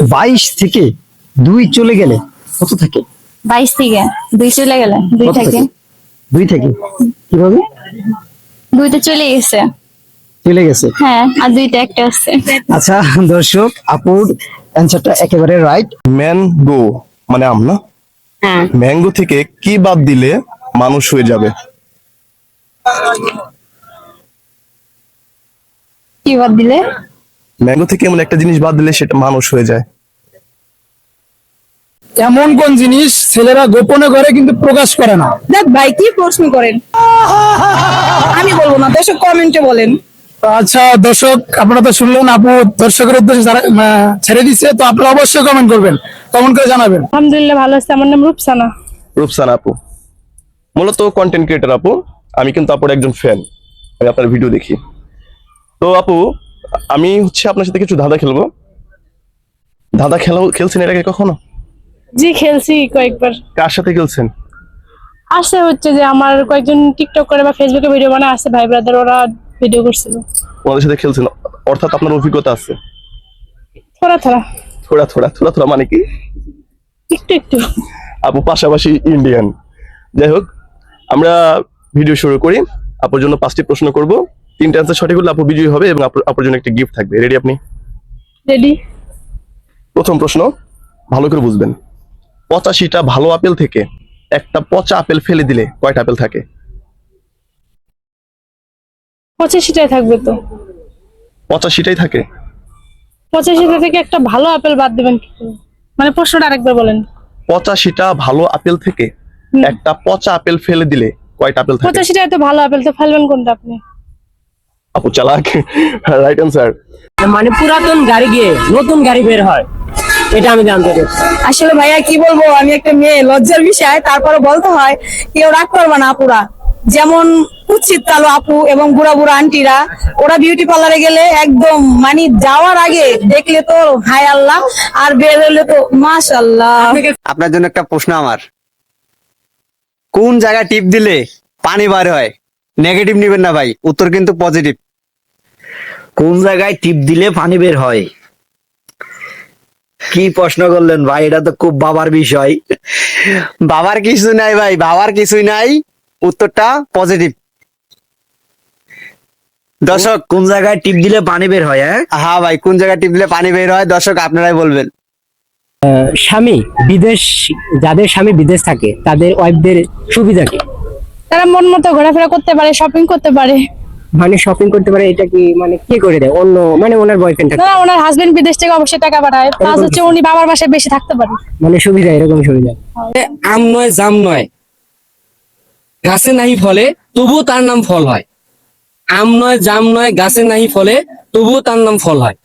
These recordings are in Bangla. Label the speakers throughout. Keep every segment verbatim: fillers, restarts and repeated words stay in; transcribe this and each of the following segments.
Speaker 1: বাইশ থেকে দুই চলে গেলে কত থাকে?
Speaker 2: বাইশ থেকে দুই চলে গেলে দুই
Speaker 1: কত
Speaker 2: থেকে
Speaker 1: থাকে? দুই থেকে কিভাবে
Speaker 2: দুইটা চলে গেছে।
Speaker 1: চলে গেছে?
Speaker 2: হ্যাঁ, আর দুইটা একটা আছে।
Speaker 1: আচ্ছা দর্শক, আপুর অ্যান্সারটা একেবারে রাইট।
Speaker 3: ম্যাঙ্গো মানে আম না?
Speaker 2: হ্যাঁ,
Speaker 3: ম্যাঙ্গো থেকে কি বাদ দিলে মানুষ হয়ে যাবে?
Speaker 2: কি বাদ দিলে?
Speaker 3: ম্যাঙ্গো থেকে এমন একটা জিনিস বাদ দিলে সেটা মানুষ হয়ে যায়।
Speaker 4: এমন কোন জিনিস ছেলেরা গোপনে করে কিন্তু প্রকাশ করে না?
Speaker 5: দেখ ভাই, কি প্রশ্ন করেন? আমি বলবো না, দর্শক কমেন্টে বলেন।
Speaker 4: আচ্ছা দর্শক, আপনারা তো শুনলেন, আপু দর্শকের উদ্দেশ্যে যারা, আহ, ছেড়ে দিচ্ছে, তো আপনারা অবশ্যই কমেন্ট করবেন, কমেন্ট করে জানাবেন।
Speaker 2: আলহামদুলিল্লাহ ভালো আছে। আমার নাম রূপসানা।
Speaker 3: রূপসানা আপু মূলত কন্টেন্ট ক্রিয়েটর আপু। আমি কিন্তু আপুর একজন ফ্যান, আমি আপনার ভিডিও দেখি। তো আপু, আমি হচ্ছে আপনার সাথে কিছু ধাঁধা খেলবো। ধাঁধা খেলা খেলছেন এর আগে কখনো?
Speaker 6: জি, খেলছি কয়েকবার।
Speaker 3: কার সাথে খেলছেন?
Speaker 6: আসে হচ্ছে যে আমার কয়েকজন টিকটক করে বা ফেসবুকে ভিডিও বানায়, আছে ভাই ব্রাদার, ওরা ভিডিও করছিল।
Speaker 3: ওনাদের সাথে খেলছেন, অর্থাৎ আপনার অভিজ্ঞতা আছে।
Speaker 6: থোড়া থোড়া
Speaker 3: থোড়া থোড়া থোড়া থোড়া মানে কি?
Speaker 6: একটু একটু।
Speaker 3: আপু পাশাপাশি ইন্ডিয়ান। যাই হোক, আমরা ভিডিও শুরু করি। আপুর জন্য পাঁচটি প্রশ্ন করব, তিনটা অ্যান্সার সঠিক হলে আপু বিজয়ী হবে এবং আপুর আপুর জন্য একটা গিফট থাকবে। রেডি আপনি?
Speaker 6: রেডি।
Speaker 3: প্রথম প্রশ্ন ভালো করে বুঝবেন। পঁচাশিটা ভালো আপেল থেকে একটা পচা আপেল ফেলে দিলে কয়টা আপেল থাকে?
Speaker 6: পঁচাশিটাই থাকবে তো।
Speaker 3: পঁচাশিটাই থাকে?
Speaker 6: পঁচাশিটা থেকে একটা ভালো আপেল বাদ দিবেন কি করে? মানে প্রশ্নটা আরেকবার বলেন।
Speaker 3: পঁচাশিটা ভালো আপেল থেকে একটা পচা আপেল ফেলে দিলে কয়টা আপেল থাকে?
Speaker 6: পঁচাশিটাই তো ভালো আপেল, তো ফেলবেন কোনটা আপনি?
Speaker 3: আপু চালাক। Right answer.
Speaker 7: মানে পুরাতন গাড়ি গিয়ে নতুন গাড়ি বের হয়, এটা আমি জানতে চাচ্ছি।
Speaker 5: আসলে ভাইয়া কি বলবো, আমি একটা মেয়ে, লজ্জার বিষয়, তারপরে বলতে হয়। কেউ রাগ করবে না আপুরা, যেমন উচিত কালো আপু এবং বুড়া বুড়া আন্টিরা, ওরা বিউটি পার্লারে গেলে একদম মানে যাওয়ার আগে দেখলে তো হায় আল্লাহ, আর বের হলে তো মাশাআল্লাহ।
Speaker 8: আপনার জন্য একটা প্রশ্ন আমার, কোন জায়গায় টিপ দিলে পানি বার হয়? নেগেটিভ নিবেন না ভাই, উত্তর কিন্তু পজিটিভ।
Speaker 9: কোন জায়গায় টিপ দিলে পানি বের হয়? কি প্রশ্ন করলেন ভাই, এটা তো খুব বাবার বিষয়।
Speaker 8: বাবার কিছু নাই ভাই, বাবার কিছুই নাই, উত্তরটা পজিটিভ। দর্শক,
Speaker 9: কোন জায়গায় টিপ দিলে পানি বের হয়? হ্যাঁ
Speaker 8: হ্যাঁ ভাই, কোন জায়গায় টিপ দিলে পানি বের হয়? দর্শক আপনারাই বলবেন।
Speaker 7: স্বামী বিদেশ, যাদের স্বামী বিদেশ থাকে তাদের ওয়াইফদের সুবিধা কি?
Speaker 6: তারা মন মতো ঘোরাফেরা করতে পারে, শপিং করতে পারে।
Speaker 7: মানে শপিং করতে পারে, এটা কি মানে কে করে দেয়? অন্য মানে ওনার বয়ফ্রেন্ড থাকে,
Speaker 6: না, ওনার হাজবেন্ড বিদেশ থেকে অবশ্যই টাকা পাঠায়, প্লাস হচ্ছে উনি বাবার বাসায় বেশি থাকতে পারে।
Speaker 7: মানে সুবিধা, এরকম সুবিধা।
Speaker 10: আম নয় জাম নয়, গাছে নাহি ফলে তবুও তার নাম ফল হয়। আম নয় জাম নয়, গাছে নাহি ফলে তবুও তার নাম ফল হয়।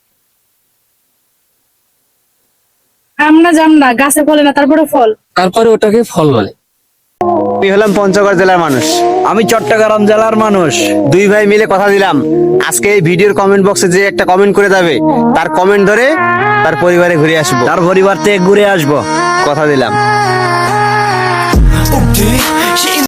Speaker 6: আম না জাম না, গাছে ফলে না, তারপরে ফল,
Speaker 10: তারপরে ওটাকে ফল বলে।
Speaker 8: আমি হলাম পঞ্চগড় জেলার মানুষ।
Speaker 9: আমি চট্টগ্রাম জেলার মানুষ।
Speaker 8: দুই ভাই মিলে কথা দিলাম, আজকে এই ভিডিওর কমেন্ট বক্সে যে একটা কমেন্ট করে যাবে, তার কমেন্ট ধরে তার পরিবারে ঘুরে আসবো,
Speaker 9: তার পরিবার থেকে ঘুরে আসবো,
Speaker 8: কথা দিলাম।